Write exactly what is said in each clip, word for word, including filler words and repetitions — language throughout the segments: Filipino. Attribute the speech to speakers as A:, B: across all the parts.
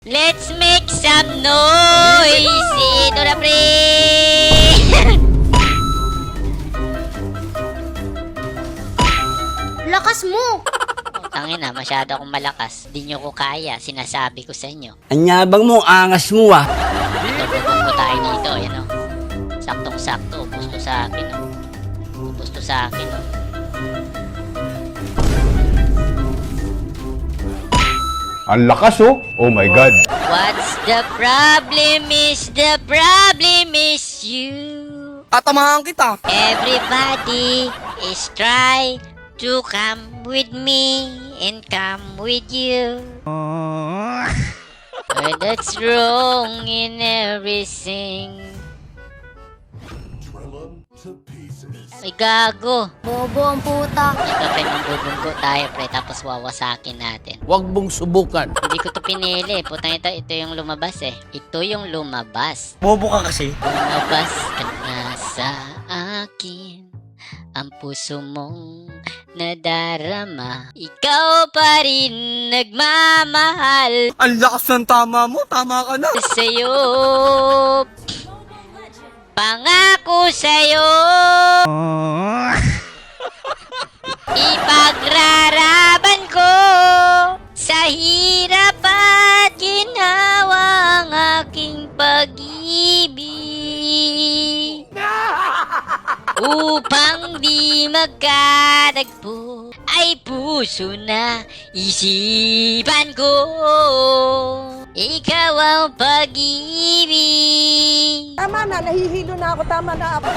A: Let's make some noise! Ito na, pre!
B: Lakas mo!
A: Tangina, masyado akong malakas. Di nyo ko kaya, sinasabi ko sa inyo.
C: Anyabang mo, angas mo ah.
A: Ito, bubog tayo dito, yan o. Saktong-sakto, ubus to sa akin o. Ubus to sa akin o.
D: Ang lakas oh. Oh my God.
A: What's the problem is the problem is you.
C: Tatamahan kita.
A: Everybody is try to come with me and come with you. But that's wrong in everything. Ay, gago.
B: Bobo ang puta.
A: Ito, pre, mambubunggo tayo, pre, tapos wawasakin natin.
C: Huwag mong subukan.
A: Hindi ko to pinili. Putang ito, ito yung lumabas eh. Ito yung lumabas.
C: Bobo ka kasi.
A: Lumabas ka na sa akin. Ang puso mong nadarama. Ikaw pa rin nagmamahal
C: Ang lakas ng tama mo. Tama ka na.
A: sa'yo. Pangako sa'yo. Ipagraraban ko sa hirap at ginawa ang aking pag-ibig. Upang di magkadagpo ay puso na isipan ko. Ikaw ang pag-ibig.
E: Tama na, nahihilo na ako. Tama na ako.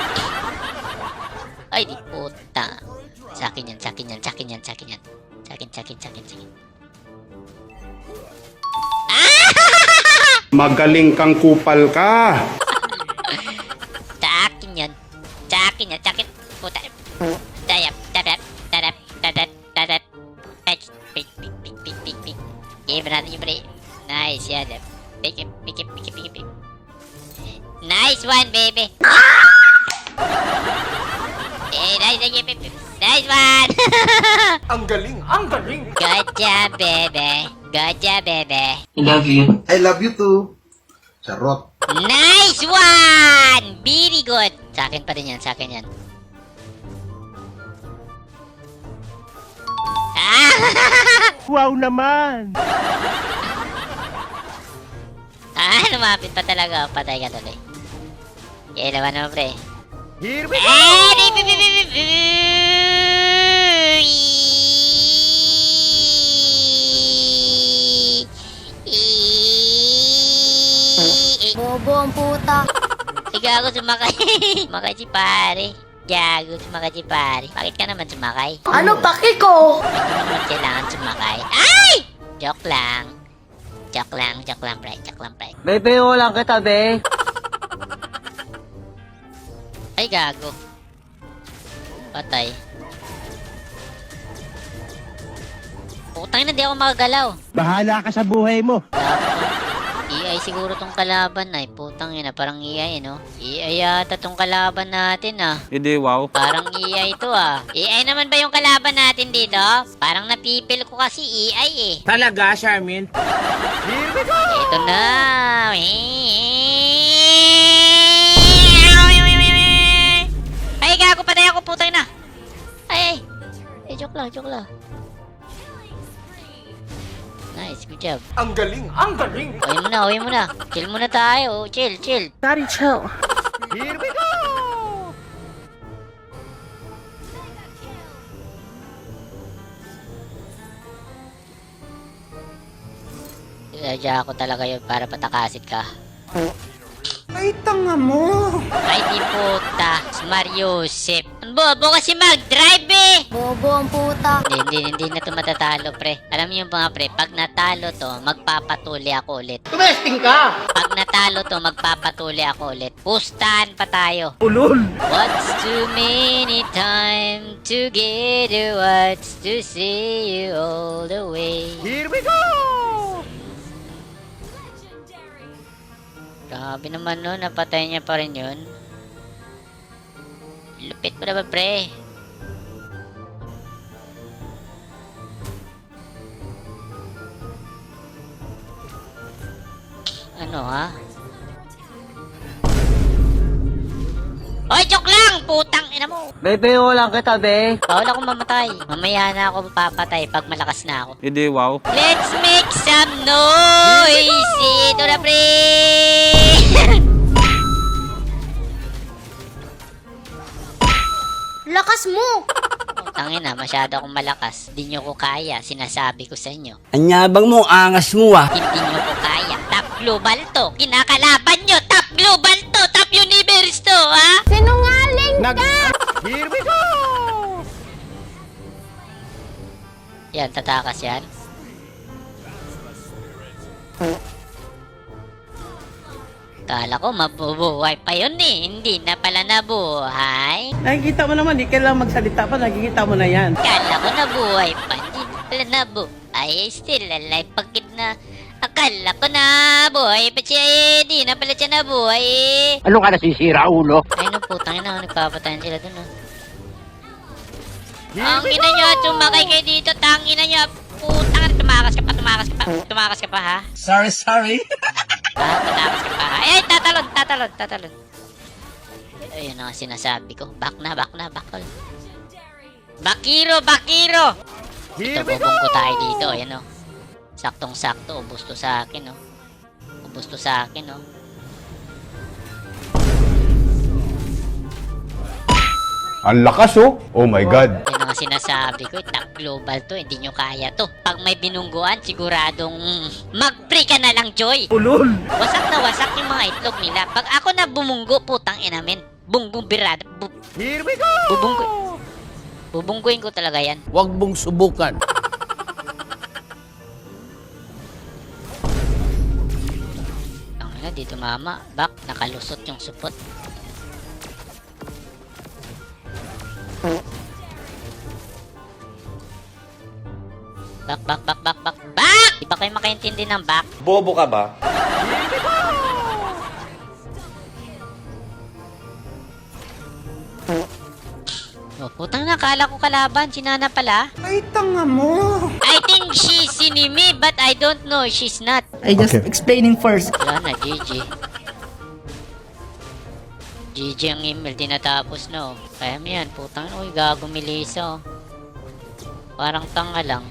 A: Ay, di puta. Sa akin yan, sa akin yan, sa akin yan, sa akin yan. Sa akin, sa akin, sa akin, sa akin.
D: Magaling kang kupal ka.
A: Sa akin yan. Sa akin yan, sa akin. Puta. Tadap, tadap, tadap, tadap, tadap. Ay, pik, pik, pik, pik, pik, pik. Game natin yung pre. Nice, yan. Pik, pik, pik, pik, pik, pik. Nice one, baby. Eh, nice, nice, pik, pik. Nice one.
C: Ang galing. Ang galing.
A: Good job, baby. Good job, baby.
F: I love you too. Charot.
A: Nice one! Very good. Sa akin pa rin yan, sa akin yan. Ah!
C: Wow naman.
A: Ah, lumapit pa talaga. Patay ka tuloy. Kaya naman naman, pre.
C: Here we
A: Eh, di, bi, bi, bi, bi, bi.
B: Bobo ang puta.
A: Gago, sumakay. Sumakay si pare. Gago, sumakay si pare. Bakit ka naman sumakay?
B: Ano paki ko?
A: Hindi mo naman kailangan sumakay. Ay! Joke lang. Joke lang, joke lang, pre. Joke lang, pre.
C: Bebe, walang kita, be.
A: Ay, gago. Patay. Putang na, di ako makagalaw.
C: Bahala ka sa buhay mo.
A: E I siguro tong kalaban na. Putang ina, parang E I, no? E I yata tong kalaban natin, ah.
C: Hindi, wow.
A: Parang E I to, ah. E I naman ba yung kalaban natin dito? Parang napipil ko kasi E I, eh.
C: Talaga, Charmin? Here we go.
A: Ito na. Ay, gago, patay ako, putay na. Ay, ay. Eh, joke lang, joke lang. Nice, good job.
C: Ang galing. Ang galing.
A: Uwi mo na, uwi mo na. Chill muna tayo. Chill, chill.
E: Daddy, chill.
C: Here we go.
A: Sinadya ako talaga yun para patakasit ka.
F: Ay, tanga mo.
A: Ay, di puta. Si Mario Yusef. Ang bobo kasi mag-drive, eh.
B: Bobo ang puta.
A: Hindi, hindi, hindi na ito matatalo, pre. Alam niyo mga pre, pag natalo to, magpapatuli ako ulit.
C: Tumesting ka.
A: Pag natalo to, magpapatuli ako ulit. Pustahan pa tayo.
C: Ulol.
A: What's too many time together? What's to see you all the way?
C: Here we go.
A: Grabe naman no, napatay niya pa rin yun. Lupit mo naman, pre. Ano ha? Oy, joke lang! Putang ina mo!
C: Bebe, lang kita, be.
A: Bawal ako mamatay. Mamaya na ako papatay pag malakas na ako.
C: Hindi, wow.
A: Let's make some noise! Ito na, pre!
B: Lakas mo!
A: Tangin na, masyado akong malakas. Hindi nyo ko kaya, sinasabi ko sa inyo.
G: Anyabang mo, angas mo ah.
A: Hindi nyo ko kaya. Top global to. Kinakalaban nyo. Top global to. Top universe to, ha?
B: Sinungaling
C: Nag... Here we go!
A: Yan, tatakas yan. Kala ko mabubuhay pa yun eh. Hindi na pala nabuhay.
E: Nakikita mo naman, di kailangan magsalita pa, nakikita mo na yan.
A: Kala ko nabuhay pa. Hindi na pala nabuhay. Still alive. Bakit na... Akala ko na buhay pa siya eh. Di na pala siya nabuhay eh.
G: Ano ka nasisira, ulo?
A: Ay, no, putang ina. Nagpapatayan sila dun, oh. Ang ina nyo, sumakay kayo dito. Tangina nyo. Putang ina. Tumakas ka pa, tumakas ka pa. Tumakas ka pa, ha?
G: Sorry, sorry.
A: Ah, tumakas ka pa, ha? Ay, tatalon, tatalon, tatalon. Ayun ang sinasabi ko. Back na, back na, back all. Bakiro, bakiro! Ito, bubong ko tayo dito. Ayan, oh. Saktong-sakto. Ubus to sa akin, oh. Ubus to sa akin, oh.
D: Ang lakas oh. Oh my God.
A: Yan ang sinasabi ko, eh, top global to, hindi nyo kaya to. Pag may binungguan, siguradong mm, mag-pre ka na lang, Joy.
C: Ulol!
A: Wasak na wasak yung mga itlog nila. Pag ako na bumunggo, putang ina men. Bunggong birada. Bu
C: Here we go!
A: bubunggo. Bubungguin ko talaga yan.
G: Huwag mong subukan.
A: Ang ina, dito mama. Back, nakalusot yung supot. Back, back, back, back, back, back! Di ba kayo makaintindi ng back?
H: Bobo ka ba?
A: Oh, putang na, kala ko kalaban. Sinana pala.
F: Ay, tanga mo!
A: I think she's enemy, but I don't know. She's not.
E: I just
D: Okay.
E: explaining first.
A: Wala na, G G. G G ang email, tinatapos na, oh. Kaya mo yan, putang na, uy, gago Melissa, oh. Parang tanga lang.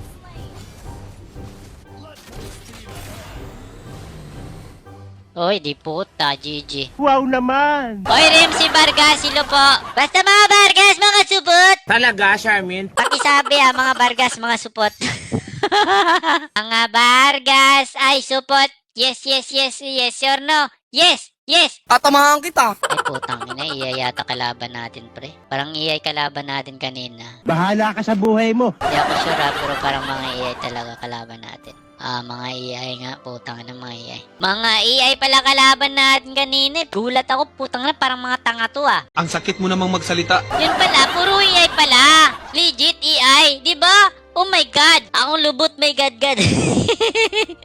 A: Oy, di puta, G G.
C: Wow naman!
A: Oy, Remsi Vargas, silo po. Basta mga Vargas, mga supot.
C: Talaga, Charmin?
A: Pakisabi ha, mga Vargas, mga supot. Mga Vargas, ay supot. Yes, yes, yes, yes or no? Yes, yes.
G: Tatamahan kita.
A: Ay, putang ina, iya yata kalaban natin, pre. Parang iyay kalaban natin kanina.
C: Bahala ka sa buhay mo.
A: Hindi ako sure, ha, pero parang mga iyay talaga kalaban natin. Ah, mga iyay nga, putang ina, mga iyay. Mga iyay pala kalaban natin kanina. Gulat ako, putang ina, parang mga tanga to, ah.
H: Ang sakit mo namang magsalita.
A: Yun pala, puro iyay pala. Legit iyay, di ba? Oh my God! Akong lubot, my God, God.